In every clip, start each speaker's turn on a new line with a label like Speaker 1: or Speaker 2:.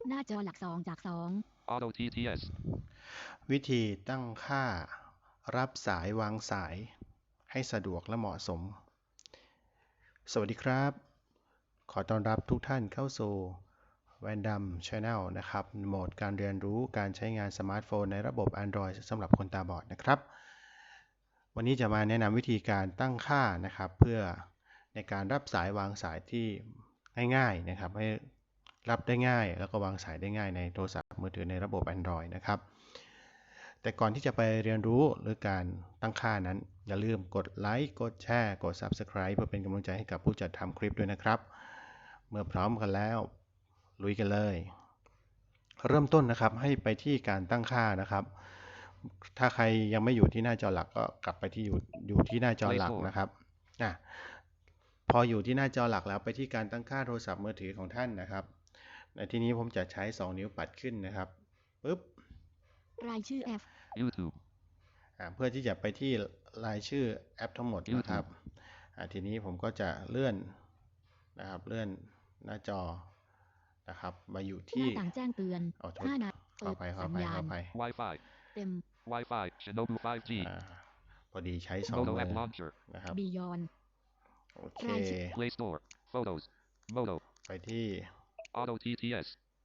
Speaker 1: หน้าจอหลัก2จาก2
Speaker 2: Auto TTS
Speaker 3: วิธีตั้งค่ารับสายวางสายให้สะดวกและเหมาะสมสวัสดีครับขอต้อนรับทุกท่านเข้าสู่ Random Channel นะครับโหมดการเรียนรู้การใช้งานสมาร์ทโฟนในระบบ Android สำหรับคนตาบอดนะครับวันนี้จะมาแนะนำวิธีการตั้งค่านะครับเพื่อในการรับสายวางสายที่ง่ายๆนะครับให้รับได้ง่ายแล้วก็วางสายได้ง่ายในโทรศัพท์มือถือในระบบ Android นะครับแต่ก่อนที่จะไปเรียนรู้หรือการตั้งค่านั้นอย่าลืมกดไลค์กดแชร์กด Subscribe เพื่อเป็นกำลังใจให้กับผู้จัดทำคลิปด้วยนะครับเมื่อพร้อมกันแล้วลุยกันเลยเริ่มต้นนะครับให้ไปที่การตั้งค่านะครับถ้าใครยังไม่อยู่ที่หน้าจอหลักก็กลับไปที่อยู่ที่หน้าจอหลักนะครับพออยู่ที่หน้าจอหลักแล้วไปที่การตั้งค่าโทรศัพท์มือถือของท่านนะครับในที่นี้ผมจะใช้2นิ้วปัดขึ้นนะครับปึ๊บ
Speaker 1: รายชื่อแอป
Speaker 2: YouTube
Speaker 3: เพื่อที่จะไปที่รายชื่อแอปทั้งหมดนะครับทีนี้ผมก็จะเลื่อนนะครับเลื่อนหน้าจอนะครับมาอยู่ที่
Speaker 1: หน้าต่างแจ้งเตือน5นาทีเปิดสัญญาณ
Speaker 2: Wi-Fi
Speaker 1: เต็ม
Speaker 2: Wi-Fi Shinobu 5G
Speaker 3: พอดีใช้2มือนะครับ
Speaker 1: Beyond
Speaker 3: โอเค
Speaker 2: Play Store Photos Moto
Speaker 3: ไปที่
Speaker 2: Auto TTS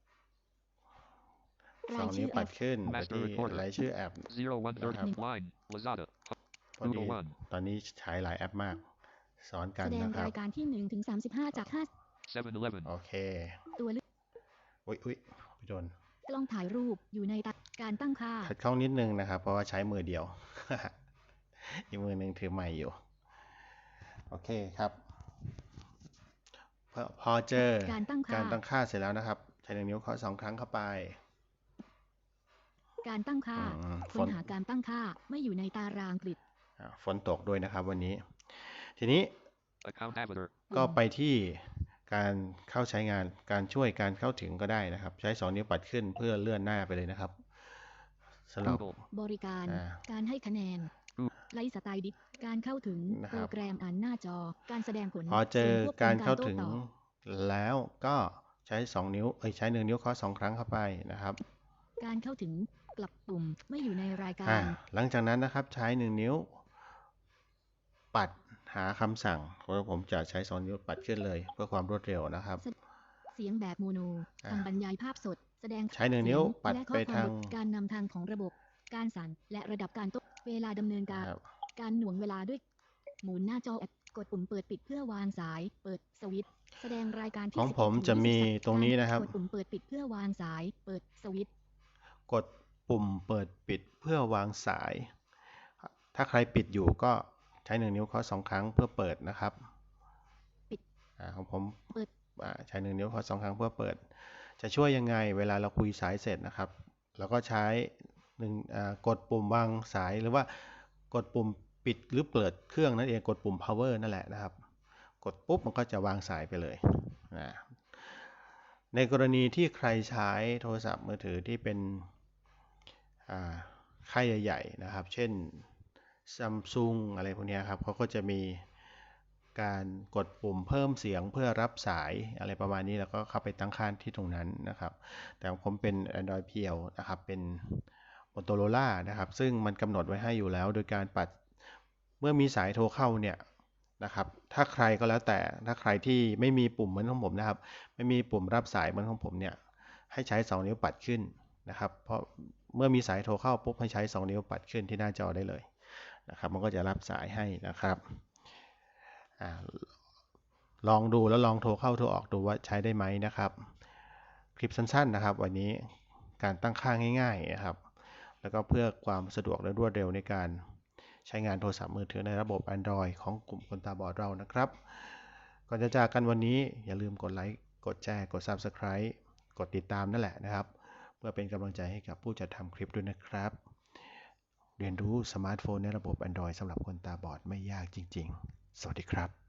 Speaker 3: 2 นิ้วปัดขึ้นไปที่รายชื่อแอป
Speaker 2: 0130 Line Lazada
Speaker 3: พอดีตอนนี้ใช้หลายแอปมากสอนกันนะครับ
Speaker 1: แสดงรายการที่1ถึง35จาก5
Speaker 2: 7-Eleven
Speaker 3: โอเค
Speaker 1: ตัวเลือก
Speaker 3: อุ๊ยพี่โดน
Speaker 1: กล้องถ่ายรูปอยู่ในการตั้งค่า
Speaker 3: ขัดข้องนิดนึงนะครับเพราะว่าใช้มือเดียว อีกมือหนึ่งถือไมค์อยู่โอเคครับพอเจอการตั้งค่าเสร็จแล้วนะครับใช้1 นิ้วเคาะ2 ครั้งเข้าไป
Speaker 1: การตั้งค่าค้นหาการตั้งค่าไม่อยู่ในตารางกริด
Speaker 3: ฝนตกด้วยนะครับวันนี้ทีนี้ก็ไปที่การเข้าใช้งานการช่วยการเข้าถึงก็ได้นะครับใช้2 นิ้วปัดขึ้นเพื่อเลื่อนหน้าไปเลยนะครับสำหรับบ
Speaker 1: ริการให้คะแนนไลฟ์สไตล์ดิการเข้าถึงโปรแกรมอ่านหน้าจอการแสดงผล
Speaker 3: พอเจอการเข้าถึงแล้วก็ใช้2 นิ้วใช้1 นิ้วเคาะ2 ครั้งเข้าไปนะครับ
Speaker 1: การเข้าถึงกลับปุ่มไม่อยู่ในรายการ
Speaker 3: หลังจากนั้นนะครับใช้1 นิ้วปัดหาคำสั่งผมจะใช้2 นิ้วปัดขึ้นเลยเพื่อความรวดเร็วนะครับ
Speaker 1: เสียงแบบโมโนคำบรรยายภาพสดแสดง
Speaker 3: ใช้1 นิ้วปัดไปทาง
Speaker 1: การนำทางของระบบการสั่นและระดับการเวลาดำเนินการหน่วงเวลาด้วยหมุนหน้าจอกดปุ่มเปิดปิดเพื่อวางสายเปิดสวิตช์แสดงรายการที่
Speaker 3: ของผมจะมีตรงนี้นะครับ
Speaker 1: กดปุ่มเปิดปิดเพื่อวางสายเปิดสวิตช์
Speaker 3: กดปุ่มเปิดปิดเพื่อวางสายถ้าใครปิดอยู่ก็ใช้1 นิ้วเคาะ2 ครั้งเพื่อเปิดนะครับ
Speaker 1: ปิด
Speaker 3: ของผมใช้1 นิ้วเคาะ2 ครั้งเพื่อเปิดจะช่วยยังไงเวลาเราคุยสายเสร็จนะครับเราก็ใช้กดปุ่มวางสายหรือว่ากดปุ่มปิดหรือเปิดเครื่องนั่นเองกดปุ่ม power นั่นแหละนะครับกดปุ๊บมันก็จะวางสายไปเลยในกรณีที่ใครใช้โทรศัพท์มือถือที่เป็นค่ายใหญ่ๆนะครับเช่น Samsung อะไรพวกนี้ครับเขาก็จะมีการกดปุ่มเพิ่มเสียงเพื่อรับสายอะไรประมาณนี้แล้วก็เข้าไปตั้งค่าที่ตรงนั้นนะครับแต่ผมเป็น Android เพียวนะครับเป็น Motorola นะครับซึ่งมันกำหนดไว้ให้อยู่แล้วโดยการปัดเมื่อมีสายโทรเข้าเนี่ยนะครับถ้าใครก็แล้วแต่ถ้าใครที่ไม่มีปุ่มเหมือนของผมนะครับไม่มีปุ่มรับสายเหมือนของผมเนี่ยให้ใช้2 นิ้วปัดขึ้นนะครับเพราะเมื่อมีสายโทรเข้าปุ๊บให้ใช้2 นิ้วปัดขึ้นที่หน้าจอได้เลยนะครับมันก็จะรับสายให้นะครับลองดูแล้วลองโทรเข้าโทรออกดูว่าใช้ได้ไหมนะครับคลิปสั้นๆนะครับวันนี้การตั้งค่าง่ายๆนะครับแล้วก็เพื่อความสะดวกและรวดเร็วในการใช้งานโทรศัพท์มือถือในระบบ Android ของกลุ่มคนตาบอดเรานะครับก่อนจะจากกันวันนี้อย่าลืมกดไลค์กดแชร์กด Subscribe กดติดตามนั่นแหละนะครับเพื่อเป็นกำลังใจให้กับผู้จัดทำคลิปด้วยนะครับเรียนรู้สมาร์ทโฟนในระบบ Android สำหรับคนตาบอดไม่ยากจริงๆสวัสดีครับ